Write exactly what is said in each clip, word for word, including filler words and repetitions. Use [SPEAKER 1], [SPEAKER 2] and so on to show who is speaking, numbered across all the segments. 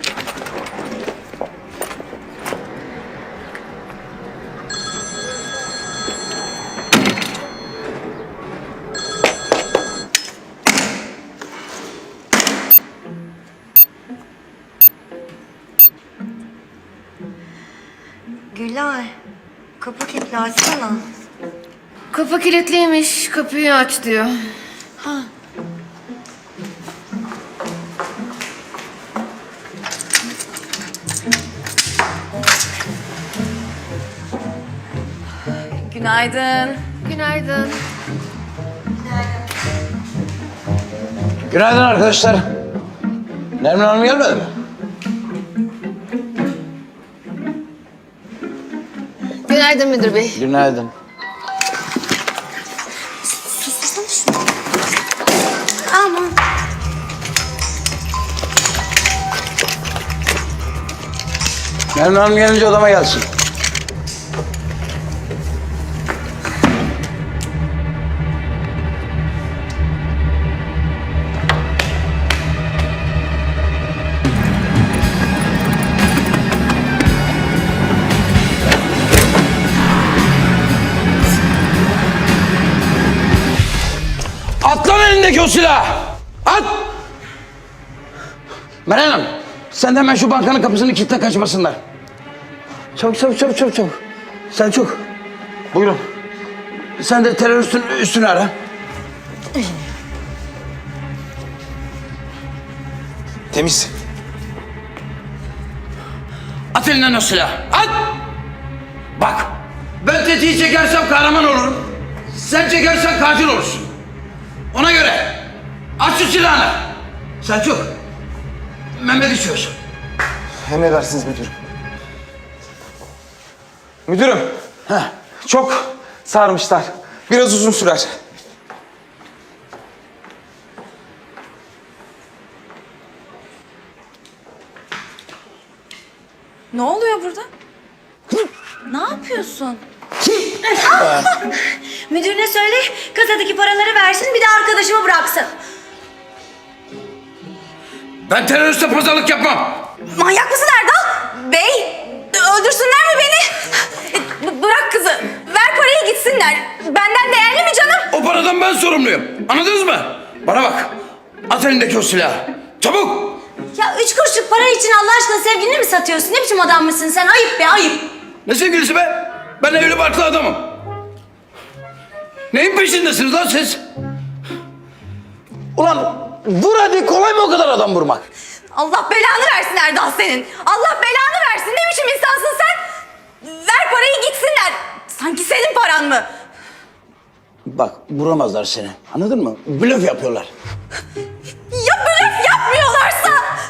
[SPEAKER 1] Gülay, kapı kilitli, açsana.
[SPEAKER 2] Kapı kilitliymiş. Kapıyı aç diyor.
[SPEAKER 1] Ha.
[SPEAKER 3] Günaydın.
[SPEAKER 2] Günaydın.
[SPEAKER 4] Günaydın arkadaşlar. Nermin Hanım gelmedi mi?
[SPEAKER 2] Günaydın müdür bey.
[SPEAKER 4] Günaydın.
[SPEAKER 1] Sustursana şunu. Aman.
[SPEAKER 4] Nermin Hanım gelince odama gelsin. At lan elindeki o silahı! At! Meral Hanım, sen de hemen şu bankanın kapısını kilitle, kaçmasınlar. Çabuk, çabuk, çabuk, çabuk, çabuk. Selçuk, buyurun. Sen de teröristin üstünü ara.
[SPEAKER 5] Temiz.
[SPEAKER 4] At elinden o silahı, at! Bak, ben tetiği çekersem kahraman olurum. Sen çekersen katil olursun. Ona göre aç şu silahını. Selçuk, Mehmet içiyorsun.
[SPEAKER 5] Emredersiniz müdürüm. Müdürüm.
[SPEAKER 4] Heh.
[SPEAKER 5] Çok sarmışlar. Biraz uzun sürer.
[SPEAKER 3] Ne oluyor burada? Ne yapıyorsun?
[SPEAKER 1] Müdürüne söyle, kasadaki paraları versin, bir de arkadaşımı bıraksın.
[SPEAKER 4] Ben teröriste pazarlık yapmam.
[SPEAKER 3] Manyak mısın Erdal? Bey, öldürsünler mi beni? B- bırak kızı. Ver parayı gitsinler. Benden değerli mi canım?
[SPEAKER 4] O paradan ben sorumluyum. Anladınız mı? Bana bak. At elindeki o silahı. Çabuk.
[SPEAKER 1] Ya üç kuruşluk para için Allah aşkına sevgilini mi satıyorsun? Ne biçim adam mısın sen? Ayıp be, ayıp.
[SPEAKER 4] Ne sevgilisi be? Ben evli barklı adamım. Neyin peşindesiniz lan siz? Ulan vur hadi, kolay mı o kadar adam vurmak?
[SPEAKER 3] Allah belanı versin Erdal senin. Allah belanı versin. Ne biçim insansın sen? Ver parayı gitsinler. Sanki senin paran mı?
[SPEAKER 4] Bak, vuramazlar seni. Anladın mı? Blöf yapıyorlar.
[SPEAKER 3] Ya blöf yapmıyorlarsa?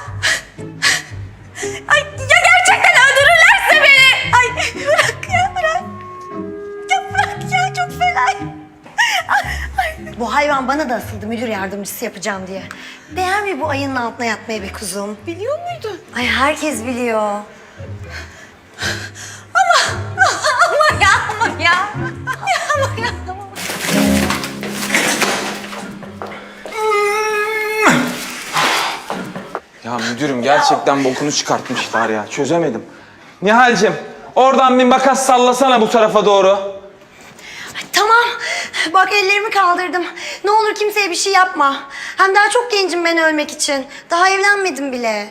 [SPEAKER 3] Ay ya gerçekten öldürürlerse beni? Ay bırak ya, bırak. Ya bırak ya, çok fena. Ay.
[SPEAKER 1] Bu hayvan bana da asıldı müdür yardımcısı yapacağım diye. Değer mi bu ayının altına yatmaya be kuzum?
[SPEAKER 3] Biliyor muydun?
[SPEAKER 1] Ay herkes biliyor.
[SPEAKER 3] Ama ama ya ama ya. Ya ama ya. Ama.
[SPEAKER 5] Ya müdürüm gerçekten bokunu çıkartmışlar ya. Çözemedim. Nihal'cim oradan bir makas sallasana bu tarafa doğru.
[SPEAKER 1] Ay, tamam. Bak ellerimi kaldırdım. Ne olur kimseye bir şey yapma. Hem daha çok gencim ben ölmek için. Daha evlenmedim bile.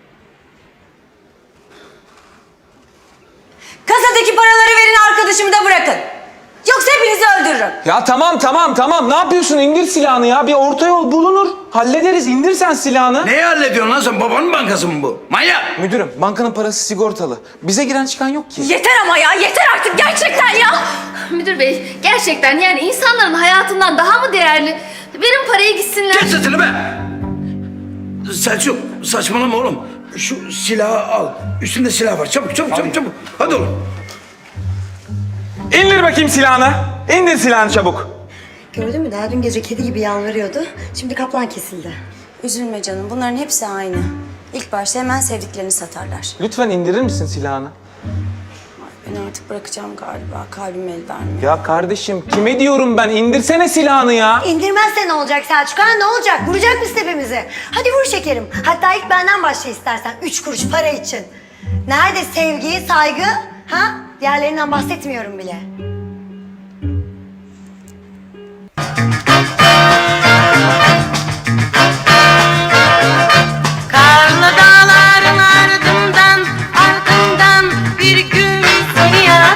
[SPEAKER 3] Kasadaki paraları verin, arkadaşımı da bırakın. Yoksa hepinizi öldürürüm.
[SPEAKER 5] Ya tamam tamam tamam. Ne yapıyorsun? İndir silahını ya. Bir orta yol bulunur. Hallederiz. İndir sen silahını.
[SPEAKER 4] Neyi hallediyorsun lan sen? Babanın bankası mı bu? Manyak!
[SPEAKER 5] Müdürüm bankanın parası sigortalı. Bize giren çıkan yok ki.
[SPEAKER 3] Yeter ama ya, yeter artık gerçekten ya.
[SPEAKER 2] Müdür bey, gerçekten yani insanların hayatından daha mı değerli? Verin parayı gitsinler.
[SPEAKER 4] Kes sesini be! Selçuk, saçmalama oğlum. Şu silahı al. Üstünde silah var. Çabuk, çabuk, çabuk, çabuk. Hadi oğlum.
[SPEAKER 5] İndir bakayım silahını. İndir silahını çabuk.
[SPEAKER 1] Gördün mü? Daha dün gece kedi gibi yalvarıyordu. Şimdi kaplan kesildi.
[SPEAKER 3] Üzülme canım, bunların hepsi aynı. İlk başta hemen sevdiklerini satarlar.
[SPEAKER 5] Lütfen indirir misin silahını?
[SPEAKER 3] Ben artık bırakacağım galiba. Kalbim el vermiyor.
[SPEAKER 5] Ya kardeşim kime diyorum ben? İndirsene silahını ya.
[SPEAKER 1] İndirmezse ne olacak Selçuk ha? Ne olacak? Vuracak mısın hepimizi? Hadi vur şekerim. Hatta ilk benden başla istersen. Üç kuruş para için. Nerede sevgi, saygı? Ha? Diğerlerinden bahsetmiyorum bile.